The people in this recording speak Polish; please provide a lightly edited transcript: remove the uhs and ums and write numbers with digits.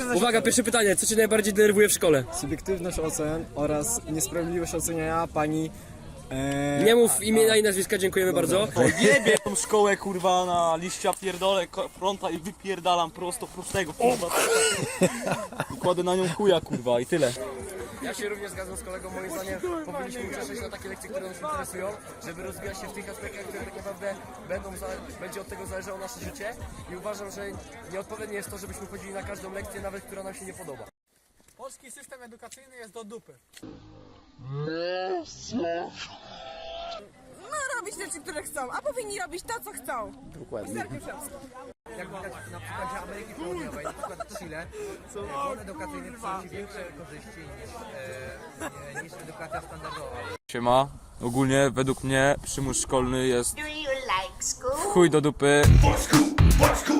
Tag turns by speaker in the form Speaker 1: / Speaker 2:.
Speaker 1: Uwaga, pierwsze pytanie. Co cię najbardziej denerwuje w szkole?
Speaker 2: Subiektywność ocen oraz niesprawiedliwość oceniania pani...
Speaker 1: Nie mów imienia i nazwiska, dziękujemy bardzo.
Speaker 3: Jebie tą szkołę kurwa na liścia, pierdolę fronta i wypierdalam prostego kurwa. I kładę na nią chuja kurwa i tyle.
Speaker 1: Ja się również zgadzam z kolegą, moim zdaniem powinniśmy uczestniczyć na takie lekcje, które nas interesują, żeby rozwijać się w tych aspektach, które tak naprawdę będzie od tego zależało nasze życie i uważam, że nieodpowiednie jest to, żebyśmy chodzili na każdą lekcję, nawet która nam się nie podoba.
Speaker 4: Polski system edukacyjny jest do dupy.
Speaker 5: No robić rzeczy, które chcą, a powinni robić to, co chcą. Dokładnie.
Speaker 6: Jak widać na przykładzie Ameryki Południowej, na przykład Chile, bon edukacyjny przynosi większe korzyści niż edukacja standardowa.
Speaker 3: Siema. Ogólnie według mnie przymus szkolny jest
Speaker 7: Do you like school?
Speaker 3: chuj do dupy.